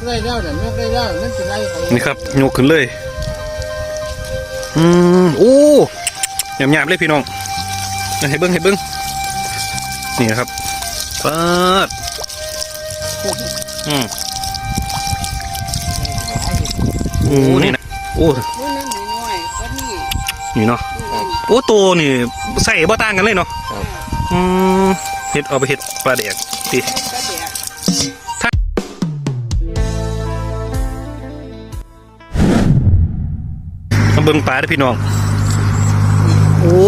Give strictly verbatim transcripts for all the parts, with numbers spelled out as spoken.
ได้แล้วเนี่ยยกได้แล้วมันจะไล่นี่ครับยกขึ้นเลยอืมโอ้หยาบๆเลยพี่น้องให้เบิ้งให้เบิ้งนี่ครับเปิดอืมโอ้นี่นะโอ้นี่เนาะโอ้ตัวนี่ใส่บ่ต่างกันเลยเนาะอืมเห็ดเอาไปเห็ดปลาแดกดิมาเบิ่งปลาเด้อพี่น้องโอ้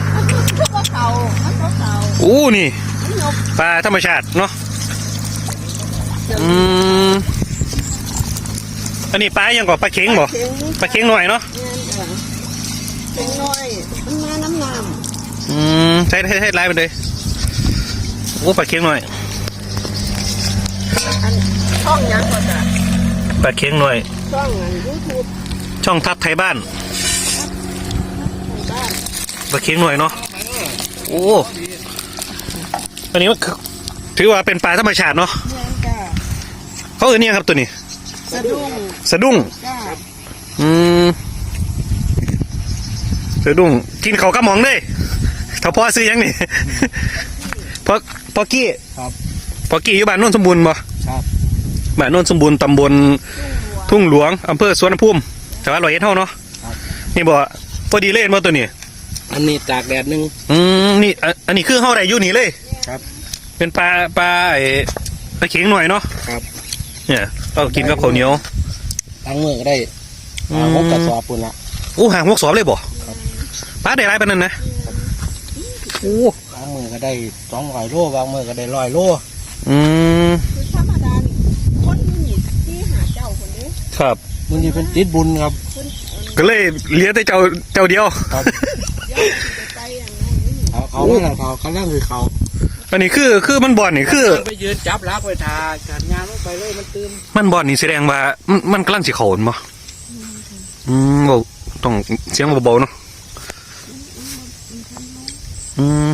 โอ้นี่ปลาธรรมชาติเนาะอืมอันนี้ปลายังก่อปลาเข็งบ่ปลาเข็งหน่อยเนาะเข็งหน่อยมันมาน้ำน้ำอืมใช้ใช้ใช้ไล่ไปเลยโอ้ปลาเข็งหน่อยช่องยังก่อนจ้ะปลาเข็งหน่อยช่องยูทูบช่องทับไทยบ้านปลาเข็งหน่อยเนาะโอ้อันนี้ถือว่าเป็นปลาธรรมชาติเนาะเขาเอ่ยเนี่ยครับตัวนี้สะดุ้งสะดุ้งอืมสะดุ้งกินเขากระหม่อมเลยถ้าพ่อซื้อยังนี่พอพอกี้พอกี้อยู่บ้านโน่นสมบูรณ์บ่บ้านโน่นสมบูรณ์ตำบลทุ่งหลวงอำเภอสวนภูมิจังหวัดร้อยเอ็ดเท่าเนาะนี่บ่พอดีเล่นบ่ตัวนี้อันนี้ตากแดดนึงอืมนี่อันนี้คือเข้าได้อยู่นี่เลยครับเป็นปลาปลาไอ้ปลาเข็งหน่อยเนาะครับเนี่ยเรากินกับข้าวเหนียวล้างมือก็ได้หางหกกระสอบปุ่นละโอ้หางหกสอบเลยบ่ปลาได้ไรปานนั้นนะโอ้ล้างมือก็ได้สองร้อยโลวางมือก็ได้ร้อยโลอืมคือธรรมดาคนนี่ที่หาเจ้าคนนี้ครับมันจะเป็นติดบุญครับก็เลยเลี้ยงแต่เจ้าเจ้าเดียวครับเขาเขาไม่เขาเขาเล่นคือเขาอันนี้คือคือมันบ่อนนี่คือไปยืนจับรักไปทาการงานลงไปเลยมันตื่นมันบ่อนนี่แสดงว่ามันมันกำลังสิเขาบ่อืมเราต้องเสียงเบาๆเนาะอืม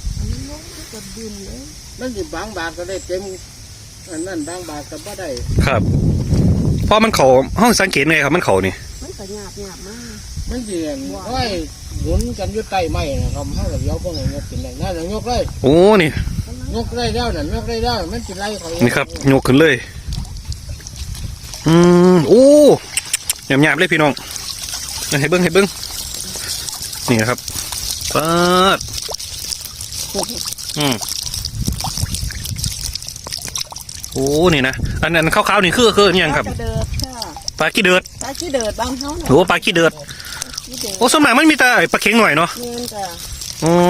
มันสิบางบาทก็ได้เต็มอันนั้นบางบาทก็ไม่ได้ครับเพราะมันเขาห้องสังเกตไงครับมันเขานี่มันก็หยาบหยาบมากมันเสียงห้อยหมุนกันอยู่ใต้ไม้นะครับห้องกับยกพวกนี้ยกเป็นอะไรนั่นยกเลยโอ้นี่ยกได้แล้วนั่นยกได้แล้วมันจะไล่เขานี่ครับยกขึ้นเลยอืมโอ้หยาบๆเลยพี่น้องให้เบิ้งให้เบิ้งนี่นะครับเปิดอืมโอ้นี่นะอันนั้นขาวๆนี่คือคือยังครับปลาขี้เดือดปลาขี้เดือดบางเท่าโอ้ปลาขี้เดือดโอ้สมัยมันมีแต่ปลาเค็งหน่อยเนาะโอ้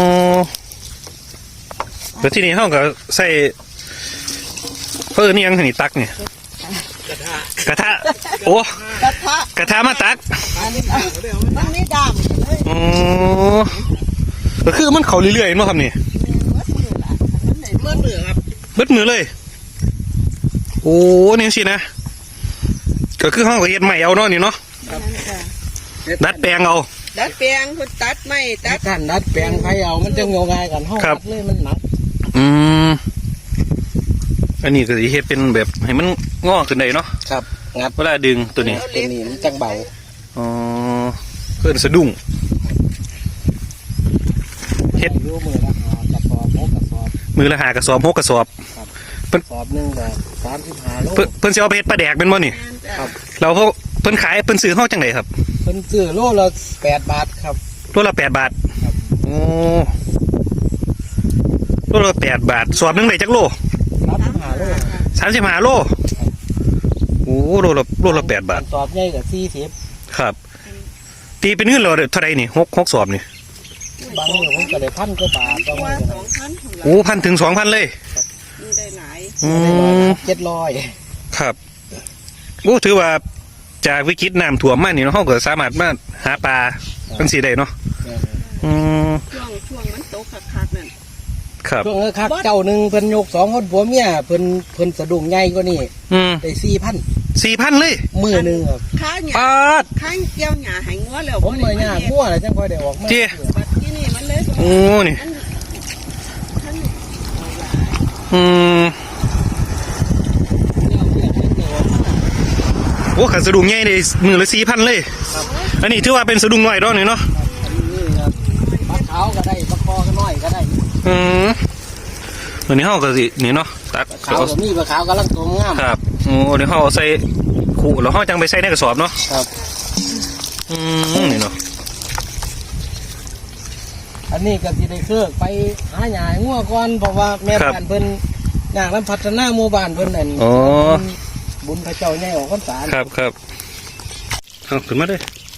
แล้วที่นี่เขาก็ใส่เพิ่มนี่ยังนี่ตักเนี่ยกระทะโอ้กระทะกระทะมาตักมันไม่ดำโอ้ก็คือมันเขาเรื่อยๆมั้งครับนี่เมื่อมือครับเบิดมือเลยโอ้นี่สินะก็คือห้องก็เฮ็ดใหม่เอาเนาะนี่เนาะดัดแปลงเอาดัดแปลงคุณตัดไม่ตัดกันดัดแปลงใครเอามันจะงงง่ายกันห้องดัดเลยมันหนักอืมอันนี้ก็สิเฮ็ดเป็นแบบให้มันงอขึ้นได้เนาะครับงัดเวลาดึงตัวนี้ตัวนี้มันจังเบาอ๋อเพิ่นสะดุ้งเฮ็ดมือละหากระสอบหกกระสอบมือละหากระสอบหกกระสอบเพิ่นสอบหนึ่งแบบสามสิบห้าโลเพิ่นสิเอาไปเฮ็ดปลาแดกเป็นบ่นี่ครับเราเขาเพิ่นขายเพิ่นซื้อเฮาจังไดครับเพิ่นซื้อโลละแปดบาทครับโลละแปดบาทโอ้โลละแปดบาทสอบหนึ่งได้จักโลสามสิบห้าโลโอ้โลละโลละแปดบาทสอบใหญ่กับสี่สิบครับตีเป็นเงินเราเท่าไรนี่หกหกสอบนี่บางอย่างผมก็ได้พันกว่าบาทประมาณโอ้พันถึงสองพันเลยได้หลายอืมเจ็ดร้อยครับโอ้ถือว่าจากวิกฤตน้ำท่วมมานี่เนาะเขาก็สามารถมาหาปลาเป็นสีได้เนาะอืมช่วงช่วงมันโตคักๆนั่นครับช่วงนั้นคักเจ้าหนึ่งเพิ่นยกสองคนผัวเมียเพิ่นเพิ่นสะดุ้งใหญ่กว่านี่ได้สี่พันสี่พันเลยมือหนึ่งครับข้าหยาข้าเกี่ยวหยาหายงัวแล้วผมเลยหยางัวอะไรจังค่อยได้ออกมาเจี๊ยที่นี่มันเลยโอ้นี่อืมอ้ขันสะดุ้งใหญ่เลยมือละสี่พันเลยอันนี้ถือว่าเป็นสะดุ้งน้อยดอกนี่เนาะนี่ครับปลาขาวก็ได้ปลาคอก็น้อยก็ได้อืมอันนี้เฮาก็สินี่เนาะตักขาวก็มีปลาขาวกำลังโตงามครับโอ้เดี๋ยวเฮาเอาใส่ขู่แล้วเฮาจังไปใส่ในกระสอบเนาะครับอืมนี่เนาะอันนี้ก็สิได้เครือไปหาหญ้างัวก่อนเพราะว่าแม่บ้านเพิ่นอยากนำพัฒนาหมู่บ้านเพิ่นนั่นอ๋อบุญพระเจ้าใหญ่ออกพรรษาครับครับเอาขึ้นมาเลย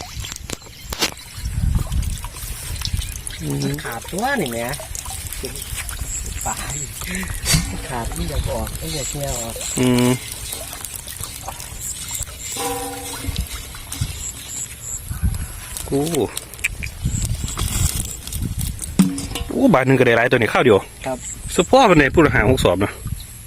ขาดตัวนี่แหมปลาขาดนี่อยากออกไม่อยากเงี้ยออกอืมโอ้โอ้บาทหนึ่งก็ได้หลายตัวนี่ข้าวเดียวครับสุดพ่อเป็นในผู้หาหกสอบนะ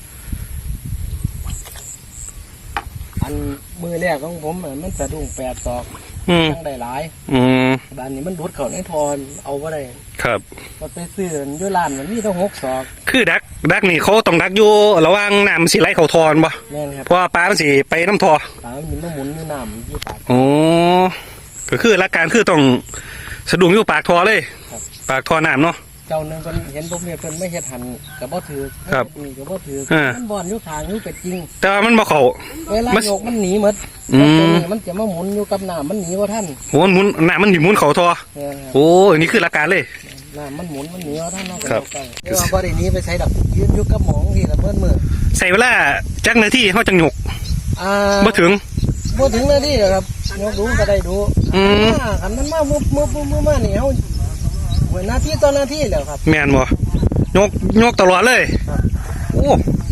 อันมือแรกของผมน่ะมันสะดุ้งแปดศอกอืมทั้งได้หลายอืมบ้านนี้มันดูดเข้าในทอนเอาไ่ได้ครับก็ไปซื้ออยู่ร้านมันมีต้องหกศอกคือดักดักนี่เขาต้องดักอยู่ระหว่างน้ำมันสิไหลเข้าทอนบ่แม่นครับเพราะว่าปลามันสิไปน้ำทอปลามันมีน้ำหมุนอยู่น้ำอยู่ปากโอ้ก็คือหลักการคือต้องสะดุ้งอยู่ปากทอเลยครับปากทอน้ำเนาะเจ้าหนึงเพิ่นเห็นผมเนี่ยเพิ่นไม่เฮ็ดหันกับบ่ถือครับนี่กับบ่ถืออ่ามัมันบอนอยู่ทางอยู่เป็ดจริงแต่ว่ามันบ่เข้าเวลามันโยกมันหนีหมดอืมแล้วตัวนี้มันจะมาหมุนอยู่กับน้ำมันหนีว่าท่านโอ้มันหมุนน้ำมันหมุนเข้าทอแม่นครับโอ้อันนี้คือหลักการเลยน้ำมันหมุนมันหนีว่าท่านเนาะครับก็เรียกว่าบ่ได้หนีไปใช้ดอกยืนอยู่กับหมองที่ละเพิ่นมือใส่เวลาจักนาทีเขาจังหยกอ่าบ่ถึงบ่ถึงนาทีหรอกครับยกดูก็ได้ดูอืมอ่าคันมันมามุบมุบมุบมุบมานี่เฮาเหมือนนาทีต่อนาทีแล้วครับแม่นบ่ยกยกตลอดเลยครับโอ้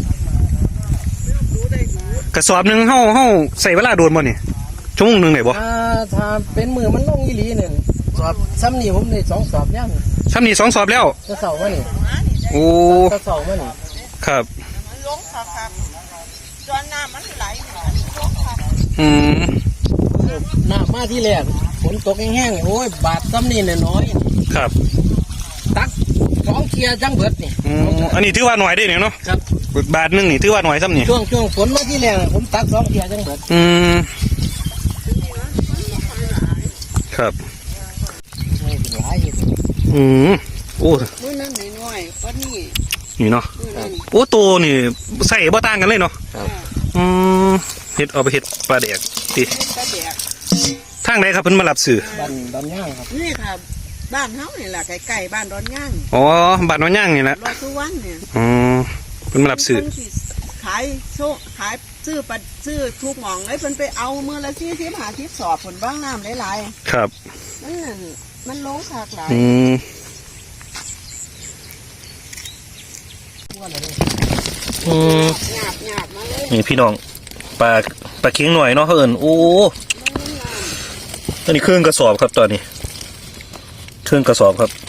กระสอบหนึ่งเฮาเฮาใส่เวลาโดนบ่นี่ชั่วโมงหนึงได้บ่อ่าถ้าเป็นมือมันลงอีหลีเนี่ยสอบซ้ำนี่ผมได้สองสอบย่ำซ้ำนี่สองสอบแล้วจะเสาร์มานี่โอ้จะเสาร์มานี่ครับมันลงค่ะครับจนน้ำมันไหลมันลงค่ะอืมน้ำมาที่แรกฝนตกแห้งๆนี่โอ้ยบาดซ้ำนี่เนี่ยน้อยครับตักสองเคลียร์จังเบิดนี่อืมอันนี้ถือว่าหน่อยได้เนี่ยเนาะครับบาทหนึงนี่ถือว่าหน่อยซ้ำนี่ช่วงช่วงฝนมาที่แรกผมตักสองเคลียร์จังเบิดอืมครับไม่ถึงหลายอยู่อืมโอ้มื้อนั้นน้อยๆก็นี่นี่เนาะมื้อนั้นโอ้ตัวนี่ใส่บ่ต่างกันเลยเนาะครับอืมเฮ็ดเอาไปเฮ็ดปลาแดกติเป็นกระแดกทางใดครับเพิ่นมารับซื้อบ้านบ้านย่างครับนี่ค่ะบ้านเฮานี่แหละใกล้ๆบ้านดอนย่างอ๋อบ้านน้อยย่างนี่แหละรอสุวรรณเนี่ยอ๋อเพิ่นมารับซื้อเพิ่นสิขายโซขายซื้อปัดซื้อทุกหม่องเลยเพิ่นไปเอามื้อละสี่สิบห้าสิบสอบผลบ้างน้ำหลายครับๆมันนั่นมันลงคากหลายอืม อืมหยาบหยาบมาเลยนี่พี่น้องปลาปลาเค็งหน่อยเนาะเขาเอิ้นโอ้ตอนนี้เครื่องกระสอบครับตอนนี้ เครื่องกระสอบครับ